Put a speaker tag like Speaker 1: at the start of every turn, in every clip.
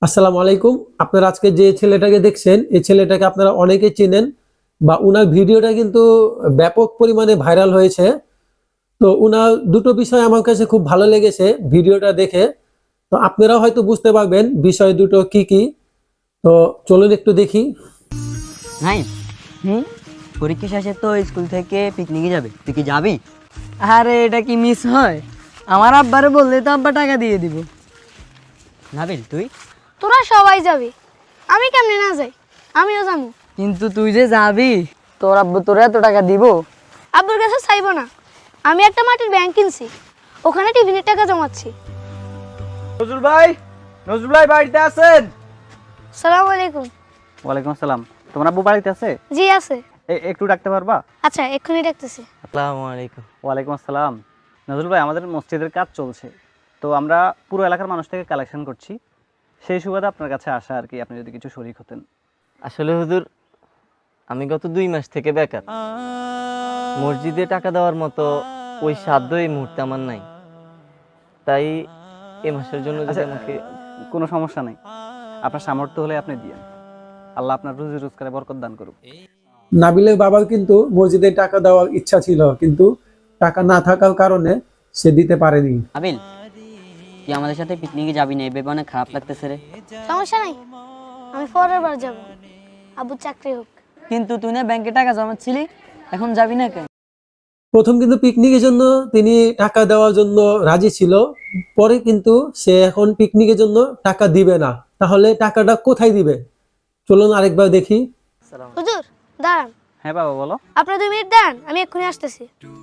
Speaker 1: আসসালামু আলাইকুম। আপনারা আজকে যে ছেলেটাকে দেখছেন এই ছেলেটাকে আপনারা অনেকে চেনেন বা উনার ভিডিওটা কিন্তু ব্যাপক পরিমাণে ভাইরাল হয়েছে। তো উনার দুটো বিষয় আমার কাছে খুব ভালো লেগেছে ভিডিওটা দেখে। তো আপনারা হয়তো বুঝতে পারবেন বিষয় দুটো কি কি। তো চলুন একটু দেখি।
Speaker 2: নাই পরীক্ষা শেষে তো স্কুল থেকে পিকনিকে যাবে, তুই কি যাবি?
Speaker 3: আরে এটা কি মিস হয়? আমার আব্বারে বললে তো আব্বা টাকা দিয়ে দিব।
Speaker 2: নাবিল তুই?
Speaker 4: তোরা সবাই যাবি, আমি কেমনে না যাই? আমিও যাবো।
Speaker 3: কিন্তু তুই যে যাবি, তোর আব্বু তোর এত টাকা দিব?
Speaker 4: আব্বুর কাছে চাইবো না, আমি একটা মাটির ব্যাংক কিনছি, ওখানে টিফিনের টাকা জমাচ্ছি।
Speaker 5: নজরুল ভাই বাড়িতে আছেন?
Speaker 4: সালাম আলাইকুম।
Speaker 5: ওয়ালাইকুম আসসালাম। তোমার আব্বু বাড়িতে আছে?
Speaker 4: জি আছে।
Speaker 5: একটু ডাকতে পারবা?
Speaker 4: আচ্ছা এক্ষুনি ডাকতেছি।
Speaker 2: আসসালামু আলাইকুম।
Speaker 5: ওয়ালাইকুম আসসালাম। নজরুল ভাই, আমাদের মসজিদের কাজ চলছে, তো আমরা পুরো এলাকার মানুষ থেকে কালেকশন করছি, সেই সুবাদে আপনার কাছে আসা আর কি, আপনি যদি কিছু শরীক হতেন।
Speaker 6: আসলে হুজুর, আমি গত 2 মাস থেকে বেকার। মসজিদে টাকা দেওয়ার মতো ওই সাধ্য এই মুহূর্তে আমার নাই, তাই এই মাসের জন্য যদি আমাকে
Speaker 5: কোনো সমস্যা নেই, আপনার সামর্থ্য হলে আপনি দিয়েন, আল্লাহ আপনার রুজি রোজগারে বরকত দান করুক।
Speaker 1: নাবিলের বাবার কিন্তু মসজিদে টাকা দেওয়ার ইচ্ছা ছিল, কিন্তু টাকা না থাকার কারণে সে দিতে পারেনি।
Speaker 2: নাবিল, তুই আমাদের সাথে পিকনিকে যাবি না? এই ব্যাপারে অনেক খারাপ লাগতেছে রে।
Speaker 4: সমস্যা নাই, আমি পরের বার যাবো, আব্বুর চাকরি হোক।
Speaker 3: কিন্তু তুই না ব্যাংকে টাকা জমাচ্ছিলি, এখন যাবি না কেন?
Speaker 1: প্রথম কিন্তু পিকনিকের জন্য তিনি টাকা দেওয়ার জন্য রাজি ছিল, পরে কিন্তু সে এখন পিকনিকের জন্য টাকা দিবে না। তাহলে টাকাটা কোথায় দিবে? চলুন আরেকবার দেখি।
Speaker 4: হুজুর দাঁড়ান।
Speaker 5: হ্যাঁ বাবা বলো।
Speaker 4: আপনার 2 মিনিট দাঁড়ান, আমি এক্ষুনি আসতেছি।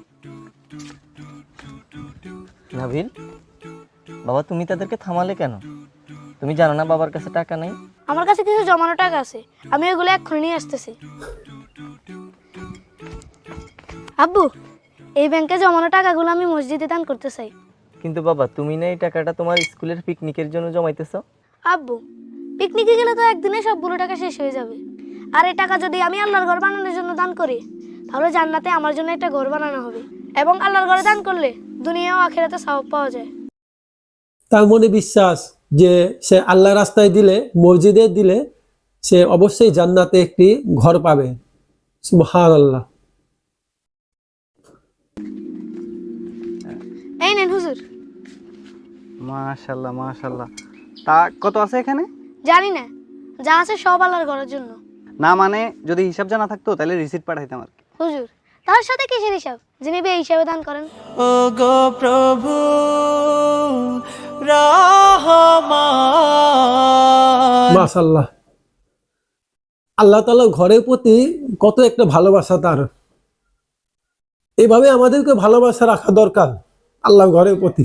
Speaker 6: নাবিল, বাবা তুমি তাদেরকে থামালে কেন? তুমি জানো না বাবার কাছে টাকা নেই?
Speaker 4: আমার কাছে কিছু জমানো টাকা আছে, আমি ওগুলো এক্ষুনি নিয়ে আসতেছি। আব্বু, এই ব্যাংকে জমানো টাকাগুলো আমি মসজিদে দান করতে চাই।
Speaker 6: কিন্তু বাবা, তুমি না এই টাকাটা তোমার স্কুলের পিকনিকের জন্য জমাইতেছো?
Speaker 4: আব্বু, পিকনিকে গেলে তো একদিনে সবগুলো টাকা শেষ হয়ে যাবে, আর এই টাকা যদি আমি আল্লাহর ঘর বানানোর জন্য দান করি, তাহলে জান্নাতে আমার জন্য একটা ঘর বানানো হবে, এবং আল্লাহর ঘরে দান করলে দুনিয়া ও আখিরাতে সওয়াব পাওয়া যায়।
Speaker 1: তার মনে বিশ্বাস যে সে আল্লাহ রাস্তায় দিলে, মসজিদে দিলে সে অবশ্যই জান্নাতে একটি ঘর পাবে। সুবহানাল্লাহ।
Speaker 4: এই নেন হুজুর।
Speaker 5: মাশাআল্লাহ মাশাআল্লাহ। তা কত আছে এখানে?
Speaker 4: জানি না, যা আছে সব আল্লাহর ঘরের জন্য।
Speaker 5: না মানে যদি হিসাব জানা থাকতো তাহলে রিসিট পাঠাইতাম আর কি।
Speaker 4: হুজুর, তার সাথে কিসের হিসাব? যিনি বে হিসাবে দান করেন।
Speaker 3: ও গো প্রভু রহমান।
Speaker 1: মাশাআল্লাহ। আল্লাহ তাআলার ঘরের প্রতি কত একটা ভালোবাসা তার। এভাবে আমাদেরকে ভালোবাসা রাখা দরকার আল্লাহর ঘরের প্রতি,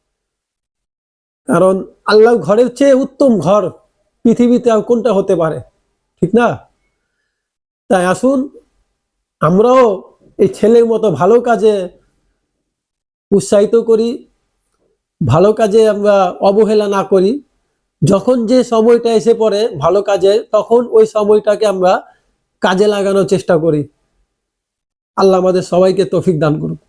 Speaker 1: কারণ আল্লাহর ঘরের চেয়ে উত্তম ঘর পৃথিবীতে আর কোনটা হতে পারে, ঠিক না? তাই আসুন আমরাও এই ছেলের মতো ভালো কাজে উৎসাহিত করি, ভালো কাজে আমরা অবহেলা না করি। যখন যে সময়টা এসে পড়ে ভালো কাজে, তখন ওই সময়টাকে আমরা কাজে লাগানোর চেষ্টা করি। আল্লাহ আমাদের সবাইকে তৌফিক দান করুক।